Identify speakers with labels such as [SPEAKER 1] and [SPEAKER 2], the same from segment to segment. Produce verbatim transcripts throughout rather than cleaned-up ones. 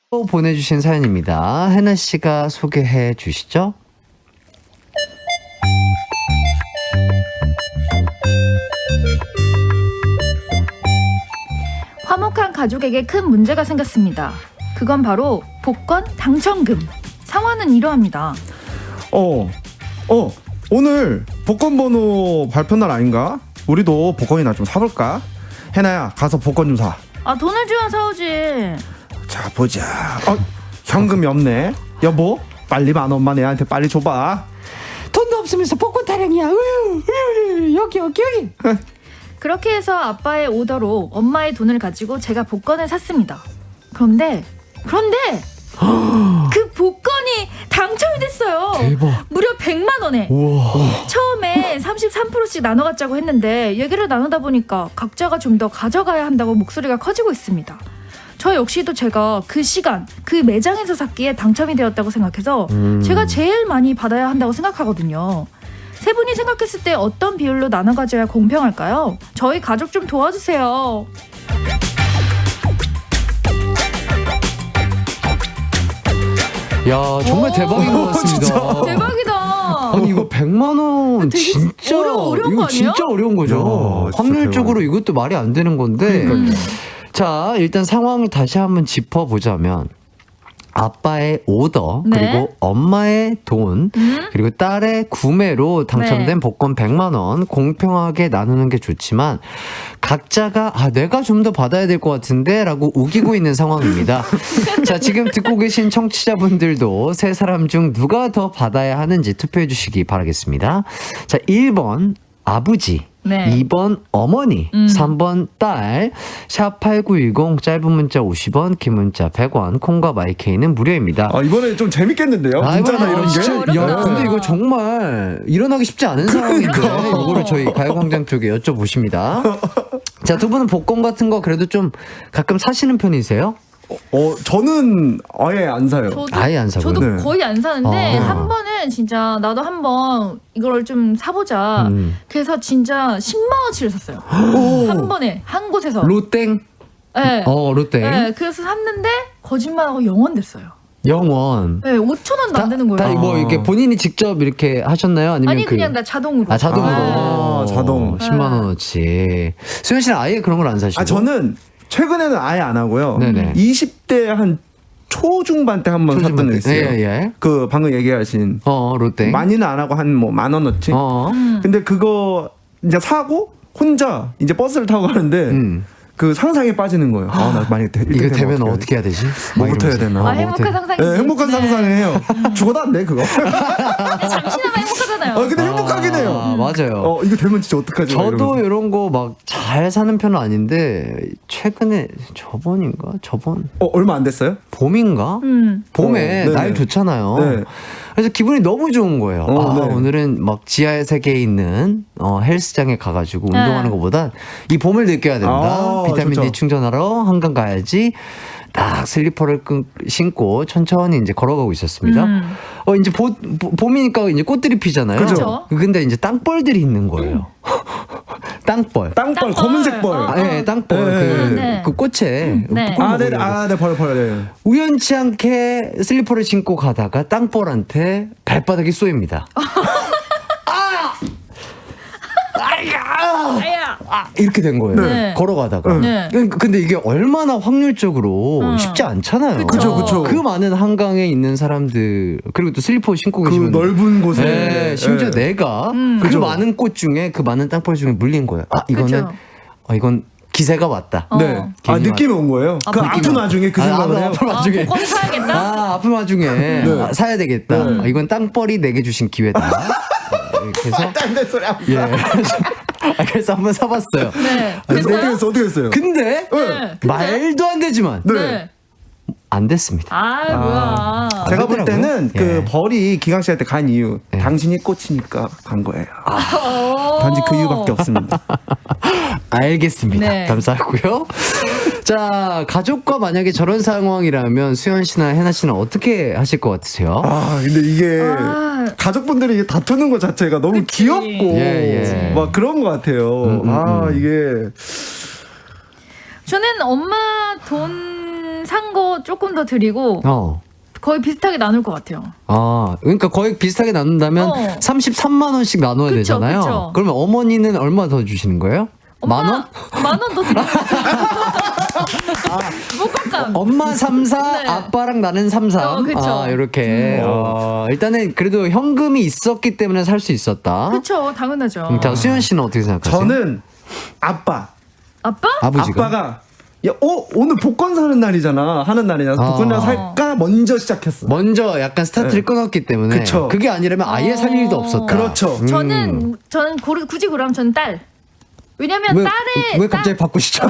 [SPEAKER 1] 또 보내주신 사연입니다. 해나 씨가 소개해 주시죠.
[SPEAKER 2] 화목한 가족에게 큰 문제가 생겼습니다. 그건 바로 복권 당첨금. 상황은 이러합니다.
[SPEAKER 3] 어, 어, 오늘 복권 번호 발표 날 아닌가? 우리도 복권이나 좀 사볼까? 해나야, 가서 복권 좀 사.
[SPEAKER 2] 아, 돈을 줘야 사오지.
[SPEAKER 3] 자, 보자. 어, 현금이 없네. 여보, 빨리 만 원만 애한테 빨리 줘봐.
[SPEAKER 1] 돈도 없으면서 복권 타령이야. 으유, 으유, 여기 여기 여기.
[SPEAKER 2] 그렇게 해서 아빠의 오더로 엄마의 돈을 가지고 제가 복권을 샀습니다. 그런데 그런데 그 복권이 당첨이 됐어요.
[SPEAKER 1] 대박.
[SPEAKER 2] 무려 백만 원에.
[SPEAKER 1] 우와.
[SPEAKER 2] 처음에 삼십삼 퍼센트씩 나눠 갖자고 했는데 얘기를 나누다 보니까 각자가 좀 더 가져가야 한다고 목소리가 커지고 있습니다. 저 역시도 제가 그 시간 그 매장에서 샀기에 당첨이 되었다고 생각해서
[SPEAKER 1] 음.
[SPEAKER 2] 제가 제일 많이 받아야 한다고 생각하거든요. 세 분이 생각했을 때 어떤 비율로 나눠 가져야 공평할까요? 저희 가족 좀 도와주세요.
[SPEAKER 1] 야, 정말 대박인 것 같습니다.
[SPEAKER 2] 대박이다.
[SPEAKER 1] 아니 이거 백만 원
[SPEAKER 2] 되게
[SPEAKER 1] 진짜
[SPEAKER 2] 어려- 어려운
[SPEAKER 1] 이거
[SPEAKER 2] 거 아니에요?
[SPEAKER 1] 진짜 어려운 거죠.
[SPEAKER 3] 야, 진짜
[SPEAKER 1] 확률적으로 이것도 말이 안 되는 건데.
[SPEAKER 2] 음.
[SPEAKER 1] 자, 일단 상황을 다시 한번 짚어보자면 아빠의 오더,
[SPEAKER 2] 네.
[SPEAKER 1] 그리고 엄마의 돈,
[SPEAKER 2] 음?
[SPEAKER 1] 그리고 딸의 구매로 당첨된
[SPEAKER 2] 네.
[SPEAKER 1] 복권 백만 원 공평하게 나누는 게 좋지만 각자가 아 내가 좀 더 받아야 될 것 같은데 라고 우기고 있는 상황입니다. 자, 지금 듣고 계신 청취자분들도 세 사람 중 누가 더 받아야 하는지 투표해 주시기 바라겠습니다. 자, 일 번 아버지,
[SPEAKER 2] 네.
[SPEAKER 1] 이 번 어머니,
[SPEAKER 2] 음.
[SPEAKER 1] 삼 번 딸, 샵팔구일공, 짧은 문자 오십 원, 긴 문자 백 원, 콩과 마이케이는 무료입니다.
[SPEAKER 3] 아, 이번에 좀 재밌겠는데요?
[SPEAKER 1] 아,
[SPEAKER 3] 문자나
[SPEAKER 1] 이번에
[SPEAKER 3] 이런 게.
[SPEAKER 1] 진짜, 야,
[SPEAKER 2] 어렵다.
[SPEAKER 1] 근데 이거 정말 일어나기 쉽지 않은 상황인데
[SPEAKER 3] 그러니까.
[SPEAKER 1] 이거를 저희 가요광장 쪽에 여쭤보십니다. 자, 두 분은 복권 같은 거 그래도 좀 가끔 사시는 편이세요?
[SPEAKER 3] 어, 저는 아예 안 사요.
[SPEAKER 2] 저도,
[SPEAKER 1] 아예 안 사고요?
[SPEAKER 2] 저도
[SPEAKER 3] 네.
[SPEAKER 2] 거의 안 사는데
[SPEAKER 1] 아.
[SPEAKER 2] 한 번은 진짜 나도 한번 이걸 좀 사보자.
[SPEAKER 1] 음.
[SPEAKER 2] 그래서 진짜 십만 원치를 샀어요.
[SPEAKER 3] 오.
[SPEAKER 2] 한 번에 한 곳에서.
[SPEAKER 1] 로땡?
[SPEAKER 2] 네.
[SPEAKER 1] 어, 로땡.
[SPEAKER 2] 네, 그래서 샀는데 거짓말하고 영원 됐어요.
[SPEAKER 1] 영원.
[SPEAKER 2] 네, 오천 원도 안 되는
[SPEAKER 1] 다
[SPEAKER 2] 거예요.
[SPEAKER 1] 뭐 이렇게 본인이 직접 이렇게 하셨나요? 아니면
[SPEAKER 2] 아니
[SPEAKER 1] 그
[SPEAKER 2] 그냥 나 자동으로.
[SPEAKER 1] 아, 자동으로.
[SPEAKER 3] 아, 자동.
[SPEAKER 1] 십만 원어치. 수현 씨는 아예 그런 걸 안 사시고?
[SPEAKER 3] 아, 저는 최근에는 아예 안 하고요.
[SPEAKER 1] 네네.
[SPEAKER 3] 이십 대 한 초중반 때 한 번 샀던 적 있어요.
[SPEAKER 1] 예, 예.
[SPEAKER 3] 그 방금 얘기하신
[SPEAKER 1] 어, 로땡.
[SPEAKER 3] 많이는 안 하고 한 뭐 만 원어치.
[SPEAKER 1] 어.
[SPEAKER 2] 음.
[SPEAKER 3] 근데 그거 이제 사고 혼자 이제 버스를 타고 가는데
[SPEAKER 1] 음.
[SPEAKER 3] 그 상상에 빠지는 거예요. 아, 나 만약에 되,
[SPEAKER 1] 이거
[SPEAKER 3] 이렇게
[SPEAKER 1] 되면
[SPEAKER 3] 어떻게
[SPEAKER 1] 어떻게 해야 되지?
[SPEAKER 3] 뭐부터 해야 되나?
[SPEAKER 2] 아,
[SPEAKER 1] 어,
[SPEAKER 2] 행복한
[SPEAKER 1] 뭐부터-
[SPEAKER 2] 상상이지.
[SPEAKER 3] 네, 행복한 상상을 해요. 죽어도 안 돼, 그거.
[SPEAKER 2] 근데 잠시나마 행복하잖아요.
[SPEAKER 3] 어, 근데 행복하긴 해요.
[SPEAKER 1] 아, 맞아요.
[SPEAKER 3] 어, 이거 되면 진짜 어떡하지? 막
[SPEAKER 1] 저도
[SPEAKER 3] 이러면서.
[SPEAKER 1] 이런 거 막 잘 사는 편은 아닌데 최근에 저번인가? 저번
[SPEAKER 3] 어, 얼마 안 됐어요?
[SPEAKER 1] 봄인가?
[SPEAKER 2] 음.
[SPEAKER 1] 봄에
[SPEAKER 3] 어, 네네.
[SPEAKER 1] 날 좋잖아요.
[SPEAKER 3] 네.
[SPEAKER 1] 그래서 기분이 너무 좋은 거예요.
[SPEAKER 3] 어,
[SPEAKER 1] 아,
[SPEAKER 3] 네.
[SPEAKER 1] 오늘은 막 지하 세계에 있는 어, 헬스장에 가가지고
[SPEAKER 2] 네.
[SPEAKER 1] 운동하는 것보단 이 봄을 느껴야 된다.
[SPEAKER 3] 아,
[SPEAKER 1] 비타민
[SPEAKER 3] 좋죠.
[SPEAKER 1] D 충전하러 한강 가야지. 딱 슬리퍼를 끈, 신고 천천히 이제 걸어가고 있었습니다.
[SPEAKER 2] 음.
[SPEAKER 1] 어, 이제 보, 보, 봄이니까 이제 꽃들이 피잖아요.
[SPEAKER 2] 그죠.
[SPEAKER 1] 근데 이제 땅벌들이 있는 거예요. 땅벌.
[SPEAKER 3] 땅벌,
[SPEAKER 2] 땅벌.
[SPEAKER 3] 검은색 벌.
[SPEAKER 2] 어.
[SPEAKER 1] 아, 네, 땅벌.
[SPEAKER 3] 네.
[SPEAKER 1] 그,
[SPEAKER 2] 네.
[SPEAKER 1] 그 꽃에.
[SPEAKER 2] 네.
[SPEAKER 1] 꿀
[SPEAKER 3] 아, 네,
[SPEAKER 1] 먹으려고.
[SPEAKER 3] 아, 네, 벌, 벌, 네.
[SPEAKER 1] 우연치 않게 슬리퍼를 신고 가다가 땅벌한테 발바닥이 쏘입니다.
[SPEAKER 2] 아야.
[SPEAKER 1] 아, 이렇게 된 거예요.
[SPEAKER 2] 네.
[SPEAKER 1] 걸어가다가.
[SPEAKER 2] 네.
[SPEAKER 1] 그러니까 근데 이게 얼마나 확률적으로
[SPEAKER 2] 음.
[SPEAKER 1] 쉽지 않잖아요.
[SPEAKER 2] 그쵸,
[SPEAKER 3] 그쵸.
[SPEAKER 1] 그 많은 한강에 있는 사람들, 그리고 또 슬리퍼 신고
[SPEAKER 3] 그
[SPEAKER 1] 계시면.
[SPEAKER 3] 넓은 곳에.
[SPEAKER 1] 네, 심지어
[SPEAKER 3] 네.
[SPEAKER 1] 내가
[SPEAKER 2] 음.
[SPEAKER 1] 그
[SPEAKER 3] 그죠.
[SPEAKER 1] 많은 꽃 중에 그 많은 땅벌 중에 물린 거예요. 아, 이거는,
[SPEAKER 2] 그쵸.
[SPEAKER 1] 어, 이건 기세가 왔다.
[SPEAKER 2] 어.
[SPEAKER 3] 네. 아,
[SPEAKER 1] 괜히
[SPEAKER 3] 느낌이 온 거예요.
[SPEAKER 2] 아,
[SPEAKER 3] 그
[SPEAKER 2] 느낌이
[SPEAKER 3] 아픈
[SPEAKER 1] 와.
[SPEAKER 3] 와중에 그
[SPEAKER 1] 아,
[SPEAKER 3] 생각을
[SPEAKER 1] 아,
[SPEAKER 3] 해요.
[SPEAKER 1] 아픈
[SPEAKER 2] 아,
[SPEAKER 1] 와중에.
[SPEAKER 2] 복권 사야겠다.
[SPEAKER 1] 아, 아픈 와중에 아, 사야 되겠다. 아, 이건 땅벌이 내게 주신 기회다. 네, 그래서
[SPEAKER 3] 딴데 소리 안
[SPEAKER 1] 예. 아, 그래서 한번 사봤어요.
[SPEAKER 2] 네.
[SPEAKER 3] 어떻게
[SPEAKER 2] 됐어요?
[SPEAKER 3] 했어, 어떻게 했어요?
[SPEAKER 1] 근데
[SPEAKER 2] 네. 근데?
[SPEAKER 1] 말도 안 되지만
[SPEAKER 3] 네.
[SPEAKER 2] 네.
[SPEAKER 1] 안 됐습니다.
[SPEAKER 2] 아, 뭐야.
[SPEAKER 3] 제가 볼
[SPEAKER 1] 그러더라고요.
[SPEAKER 3] 때는 그
[SPEAKER 1] 예.
[SPEAKER 3] 벌이 기강씨한테 간 이유,
[SPEAKER 1] 예.
[SPEAKER 3] 당신이 꽂히니까 간 거예요.
[SPEAKER 2] 어.
[SPEAKER 3] 단지 그 이유밖에 없습니다.
[SPEAKER 1] 알겠습니다.
[SPEAKER 2] 네.
[SPEAKER 1] 감사하고요. 자, 가족과 만약에 저런 상황이라면 수현 씨나 해나 씨는 어떻게 하실 것 같으세요?
[SPEAKER 3] 아, 근데 이게
[SPEAKER 2] 아.
[SPEAKER 3] 가족분들이 이게 다투는 것 자체가 너무
[SPEAKER 2] 그치.
[SPEAKER 3] 귀엽고
[SPEAKER 1] 예, 예.
[SPEAKER 3] 막 그런 것 같아요.
[SPEAKER 1] 음, 음,
[SPEAKER 3] 아,
[SPEAKER 1] 음.
[SPEAKER 3] 이게
[SPEAKER 2] 저는 엄마 돈 산 거 조금 더 드리고
[SPEAKER 1] 어.
[SPEAKER 2] 거의 비슷하게 나눌 것 같아요.
[SPEAKER 1] 아, 그러니까 거의 비슷하게 나눈다면
[SPEAKER 2] 어.
[SPEAKER 1] 삼십삼만 원씩 나눠야
[SPEAKER 2] 그쵸,
[SPEAKER 1] 되잖아요.
[SPEAKER 2] 그쵸.
[SPEAKER 1] 그러면 어머니는 얼마 더 주시는 거예요? 만 원?
[SPEAKER 2] 만 원 더 드리고. 목감감.
[SPEAKER 1] 엄마 삼 사,
[SPEAKER 2] 네.
[SPEAKER 1] 아빠랑 나는 삼 삼.
[SPEAKER 2] 어, 그쵸.
[SPEAKER 1] 아, 이렇게. 어, 일단은 그래도 현금이 있었기 때문에 살 수 있었다.
[SPEAKER 2] 그쵸, 당연하죠.
[SPEAKER 1] 음, 자, 수현 씨는 어떻게 생각하세요?
[SPEAKER 3] 저는 아빠
[SPEAKER 2] 아빠?
[SPEAKER 1] 아버지가.
[SPEAKER 3] 아빠가 야, 어 오늘 복권 사는 날이잖아 하는 날이냐
[SPEAKER 1] 아.
[SPEAKER 3] 복권이나 살까 먼저 시작했어.
[SPEAKER 1] 먼저 약간 스타트를
[SPEAKER 3] 네.
[SPEAKER 1] 끊었기 때문에
[SPEAKER 3] 그쵸.
[SPEAKER 1] 그게 아니라면 아예 살 일도
[SPEAKER 2] 어.
[SPEAKER 1] 없었다.
[SPEAKER 3] 그렇죠.
[SPEAKER 1] 음.
[SPEAKER 2] 저는 저는 고르, 굳이 그러면 저는 딸. 왜냐면
[SPEAKER 1] 왜,
[SPEAKER 2] 딸의
[SPEAKER 1] 왜 갑자기
[SPEAKER 2] 딸-
[SPEAKER 1] 바꾸시죠?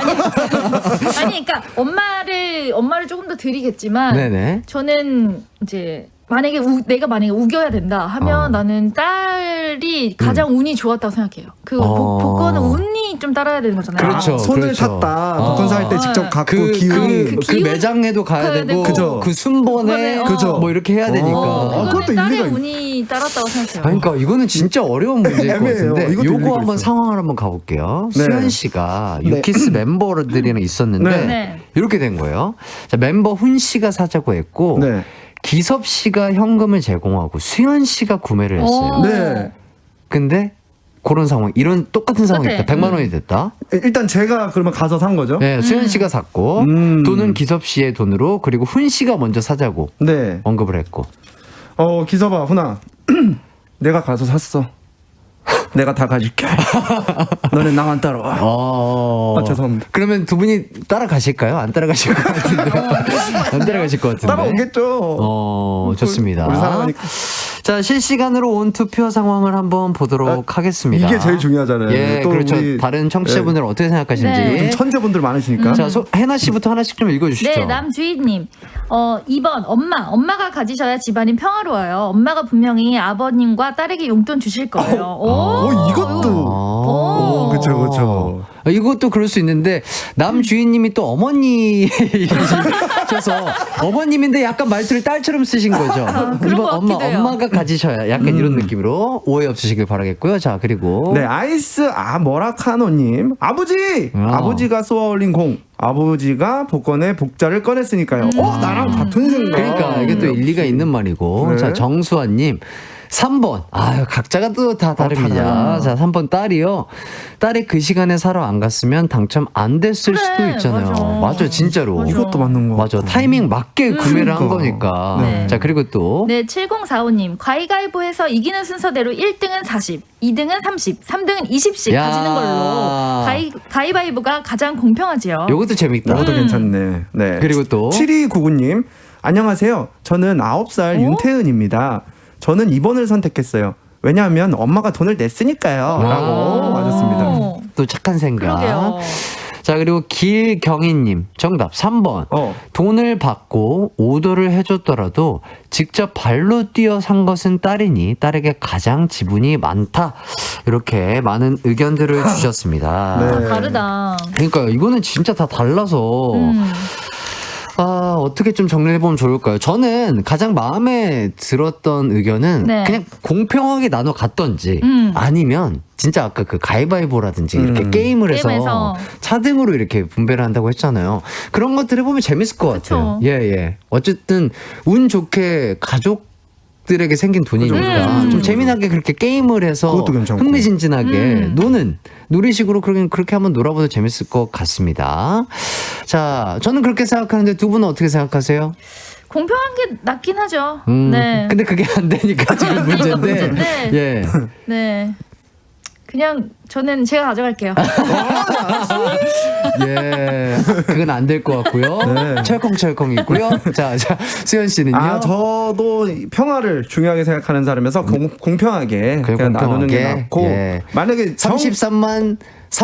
[SPEAKER 2] 아니 그러니까 엄마를 엄마를 조금 더 드리겠지만
[SPEAKER 1] 네네.
[SPEAKER 2] 저는 이제 만약에 우, 내가 만약에 우겨야 된다 하면
[SPEAKER 1] 어.
[SPEAKER 2] 나는 딸이 가장 운이 좋았다고 생각해요. 그
[SPEAKER 1] 어.
[SPEAKER 2] 복, 복권은 운이 좀 따라야 되는 거잖아요.
[SPEAKER 1] 그렇죠.
[SPEAKER 3] 아, 손을
[SPEAKER 1] 그렇죠.
[SPEAKER 3] 탔다.
[SPEAKER 1] 어.
[SPEAKER 3] 복권 살 때
[SPEAKER 2] 어.
[SPEAKER 3] 직접 갖고
[SPEAKER 1] 그,
[SPEAKER 3] 기운이
[SPEAKER 1] 그,
[SPEAKER 2] 그
[SPEAKER 1] 그
[SPEAKER 2] 기운-
[SPEAKER 1] 매장에도 가야
[SPEAKER 2] 가야
[SPEAKER 1] 되고,
[SPEAKER 2] 되고.
[SPEAKER 3] 그죠.
[SPEAKER 1] 그 순번에
[SPEAKER 2] 순번에,
[SPEAKER 3] 그죠.
[SPEAKER 1] 뭐 이렇게 해야 되니까.
[SPEAKER 3] 어.
[SPEAKER 2] 그거는
[SPEAKER 3] 그것도
[SPEAKER 2] 딸의
[SPEAKER 3] 일리가 있-
[SPEAKER 2] 운이 따랐다고 생각해요.
[SPEAKER 1] 아니, 그러니까 이거는 진짜 어려운 문제일 것
[SPEAKER 3] 애매해요.
[SPEAKER 1] 같은데
[SPEAKER 3] 이것도 일리가
[SPEAKER 1] 요거 한번
[SPEAKER 3] 있어.
[SPEAKER 1] 상황을 한번 가볼게요.
[SPEAKER 3] 네.
[SPEAKER 1] 수현 씨가
[SPEAKER 3] 네.
[SPEAKER 1] 유키스 멤버들이랑 있었는데
[SPEAKER 3] 네.
[SPEAKER 2] 네.
[SPEAKER 1] 이렇게 된 거예요. 자, 멤버 훈 씨가 사자고 했고
[SPEAKER 3] 네.
[SPEAKER 1] 기섭 씨가 현금을 제공하고 수현 씨가 구매를 했어요.
[SPEAKER 2] 어.
[SPEAKER 3] 네.
[SPEAKER 1] 근데 그런 상황, 이런 똑같은 상황이
[SPEAKER 2] 똑같아.
[SPEAKER 1] 있다. 백만
[SPEAKER 2] 음.
[SPEAKER 1] 원이 됐다.
[SPEAKER 3] 일단 제가 그러면 가서 산 거죠.
[SPEAKER 1] 네, 수현 씨가 샀고
[SPEAKER 3] 음.
[SPEAKER 1] 돈은 기섭 씨의 돈으로 그리고 훈 씨가 먼저 사자고
[SPEAKER 3] 네.
[SPEAKER 1] 언급을 했고.
[SPEAKER 3] 어 기서봐 훈아. 내가 가서 샀어. 내가 다 가질게. 너네 나만 따라와.
[SPEAKER 1] 어.
[SPEAKER 3] 아, 죄송합니다.
[SPEAKER 1] 그러면 두 분이 따라가실까요? 안 따라가실 것 같은데. 안 따라가실 것 같은데.
[SPEAKER 3] 따라오겠죠.
[SPEAKER 1] 어, 좋습니다.
[SPEAKER 3] 우리 사랑하니까.
[SPEAKER 1] 자, 실시간으로 온 투표 상황을 한번 보도록 하겠습니다.
[SPEAKER 3] 이게 제일 중요하잖아요.
[SPEAKER 1] 예,
[SPEAKER 3] 또
[SPEAKER 1] 그렇죠.
[SPEAKER 3] 우리-
[SPEAKER 1] 다른 청취자분들은 어떻게 생각하시는지.
[SPEAKER 2] 네.
[SPEAKER 3] 요즘 천재분들 많으시니까.
[SPEAKER 1] 자, 소, 해나 씨부터 하나씩 좀 읽어주시죠.
[SPEAKER 2] 네, 남주희님. 어, 이 번, 엄마. 엄마가 가지셔야 집안이 평화로워요. 엄마가 분명히 아버님과 딸에게 용돈 주실 거예요. 오,
[SPEAKER 3] 어, 이것도.
[SPEAKER 1] 어,
[SPEAKER 3] 오, 그쵸, 그쵸.
[SPEAKER 1] 이것도 그럴 수 있는데 남주인님이 또 어머니셔서 어머님인데 약간 말투를 딸처럼 쓰신 거죠.
[SPEAKER 2] 아, 그런
[SPEAKER 1] 이번
[SPEAKER 2] 것
[SPEAKER 1] 엄마
[SPEAKER 2] 같기도 해요.
[SPEAKER 1] 엄마가 가지셔야 약간 이런 느낌으로 오해 없으시길 바라겠고요. 자 그리고
[SPEAKER 3] 네, 아이스 아 모라카노님 아버지
[SPEAKER 1] 어.
[SPEAKER 3] 아버지가 쏘아올린 공 아버지가 복권의 복자를 꺼냈으니까요. 어 나랑 같은 생각.
[SPEAKER 1] 그러니까 이게 또 일리가 있는 말이고.
[SPEAKER 3] 네.
[SPEAKER 1] 자 정수환님. 삼 번. 아유, 각자가 또 다 다릅니다.
[SPEAKER 3] 달라.
[SPEAKER 1] 자, 삼 번 딸이요. 딸이 그 시간에 사러 안 갔으면 당첨 안 됐을
[SPEAKER 2] 그래,
[SPEAKER 1] 수도 있잖아요.
[SPEAKER 2] 맞아.
[SPEAKER 1] 맞아, 진짜로.
[SPEAKER 2] 맞아.
[SPEAKER 3] 이것도 맞는 거.
[SPEAKER 1] 맞아. 타이밍 맞게 구매를 한
[SPEAKER 3] 그러니까.
[SPEAKER 1] 거니까.
[SPEAKER 2] 네.
[SPEAKER 1] 자, 그리고 또.
[SPEAKER 2] 네, 칠공사오님. 가위가위보에서 이기는 순서대로 일 등은 사십, 이 등은 삼십, 삼 등은 이십씩
[SPEAKER 1] 야.
[SPEAKER 2] 가지는 걸로 가위, 가위바위보가 가장 공평하지요.
[SPEAKER 1] 요것도 재밌다.
[SPEAKER 3] 이것도 괜찮네. 네.
[SPEAKER 1] 그리고 또.
[SPEAKER 3] 칠이구구님 안녕하세요. 저는 아홉 살
[SPEAKER 2] 어?
[SPEAKER 3] 윤태은입니다. 저는 이 번을 선택했어요. 왜냐하면 엄마가 돈을 냈으니까요. 라고
[SPEAKER 2] 오.
[SPEAKER 3] 맞았습니다.
[SPEAKER 1] 또 착한 생각.
[SPEAKER 2] 그러게요.
[SPEAKER 1] 자, 그리고 길경희님. 정답 삼 번.
[SPEAKER 3] 어.
[SPEAKER 1] 돈을 받고 오더를 해줬더라도 직접 발로 뛰어 산 것은 딸이니 딸에게 가장 지분이 많다. 이렇게 많은 의견들을 주셨습니다.
[SPEAKER 3] 네.
[SPEAKER 2] 아, 다르다.
[SPEAKER 1] 그러니까 이거는 진짜 다 달라서
[SPEAKER 2] 음.
[SPEAKER 1] 아, 어떻게 좀 정리해보면 좋을까요? 저는 가장 마음에 들었던 의견은
[SPEAKER 2] 네.
[SPEAKER 1] 그냥 공평하게 나눠 갔던지
[SPEAKER 2] 음.
[SPEAKER 1] 아니면 진짜 아까 그 가위바위보라든지 이렇게
[SPEAKER 3] 음.
[SPEAKER 1] 게임을 해서
[SPEAKER 2] 게임에서.
[SPEAKER 1] 차등으로 이렇게 분배를 한다고 했잖아요. 그런 것들 해보면 재밌을 것
[SPEAKER 2] 그쵸.
[SPEAKER 1] 같아요. 예, 예. 어쨌든 운 좋게 가족 들에게 생긴 돈이니까
[SPEAKER 2] 음.
[SPEAKER 1] 좀 재미나게 그렇게 게임을 해서
[SPEAKER 3] 그것도 괜찮고.
[SPEAKER 1] 흥미진진하게
[SPEAKER 2] 음.
[SPEAKER 1] 노는 놀이식으로 그렇게 그렇게 한번 놀아봐도 재밌을 것 같습니다. 자, 저는 그렇게 생각하는데 두 분은 어떻게 생각하세요?
[SPEAKER 2] 공평한 게 낫긴 하죠.
[SPEAKER 1] 음,
[SPEAKER 2] 네.
[SPEAKER 1] 근데 그게 안 되니까 지금 문제인데.
[SPEAKER 2] 문제인데.
[SPEAKER 1] 예.
[SPEAKER 2] 네. 그냥 저는 제가 가져갈게요.
[SPEAKER 1] 예. 그건 안 될 것 같고요.
[SPEAKER 3] 네.
[SPEAKER 1] 철컹철컹 있고요. 자, 자, 수현 씨는요?
[SPEAKER 3] 아, 저도 평화를 중요하게 생각하는 사람이라서 공, 공평하게
[SPEAKER 1] 그래,
[SPEAKER 3] 그냥 나누는 게
[SPEAKER 1] 공평하게.
[SPEAKER 3] 낫고
[SPEAKER 1] 예.
[SPEAKER 3] 만약에 정-
[SPEAKER 1] 삼십삼만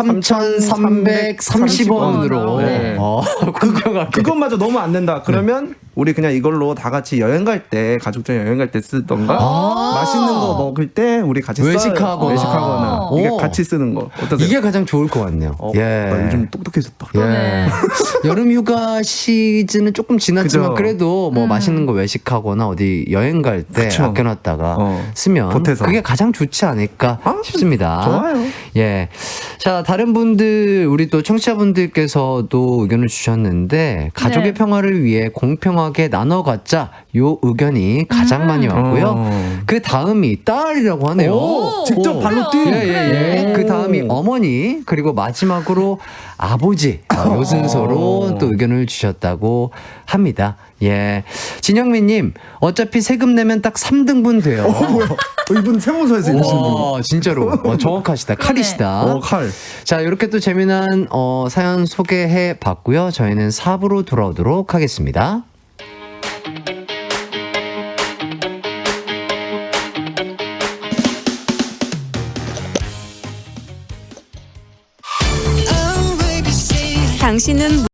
[SPEAKER 1] 삼천삼백삼십 원으로
[SPEAKER 2] 네.
[SPEAKER 1] 어, 공평하게.
[SPEAKER 3] 그것마저 너무 안 된다. 그러면 우리 그냥 이걸로 다 같이 여행 갈 때 가족들 여행 갈 때 쓰던가
[SPEAKER 1] 아.
[SPEAKER 3] 맛있는 거 먹을 때 우리 같이 써요.
[SPEAKER 1] 외식하거나.
[SPEAKER 3] 외식하거나 이게
[SPEAKER 1] 오.
[SPEAKER 3] 같이 쓰는 거 어떠세요?
[SPEAKER 1] 이게 가장 좋을 것 같네요.
[SPEAKER 3] 어,
[SPEAKER 1] 예.
[SPEAKER 3] 나 요즘 똑똑해졌다.
[SPEAKER 1] 예.
[SPEAKER 2] 네.
[SPEAKER 1] 여름 휴가 시즌은 조금 지났지만
[SPEAKER 3] 그죠.
[SPEAKER 1] 그래도 뭐
[SPEAKER 2] 음.
[SPEAKER 1] 맛있는 거 외식하거나 어디 여행 갈 때
[SPEAKER 3] 그쵸.
[SPEAKER 1] 아껴놨다가
[SPEAKER 3] 어.
[SPEAKER 1] 쓰면
[SPEAKER 3] 보태서.
[SPEAKER 1] 그게 가장 좋지 않을까
[SPEAKER 3] 아,
[SPEAKER 1] 싶습니다.
[SPEAKER 3] 좋아요.
[SPEAKER 1] 예. 자, 다른 분들, 우리 또 청취자분들께서도 의견을 주셨는데, 가족의
[SPEAKER 2] 네.
[SPEAKER 1] 평화를 위해 공평하게 나눠 갖자, 요 의견이 가장
[SPEAKER 2] 음.
[SPEAKER 1] 많이 왔고요.
[SPEAKER 3] 어.
[SPEAKER 1] 그 다음이 딸이라고 하네요.
[SPEAKER 3] 오, 직접
[SPEAKER 1] 오.
[SPEAKER 3] 발로 뛴.
[SPEAKER 1] 예, 예, 예.
[SPEAKER 3] 오.
[SPEAKER 1] 그 다음이 어머니, 그리고 마지막으로 아버지, 어, 요 순서로 또 의견을 주셨다고 합니다. 예. 진영민님, 어차피 세금 내면 딱 삼 등분 돼요.
[SPEAKER 3] 어, 뭐야? 어, 이분 세무서에서 일하시는 분.
[SPEAKER 1] 와, 진짜로. 어, 정확하시다. 칼이시다.
[SPEAKER 3] 어, 칼.
[SPEAKER 1] 자, 이렇게 또 재미난 어, 사연 소개해 봤고요. 저희는 사 부로 돌아오도록 하겠습니다.
[SPEAKER 4] 당신은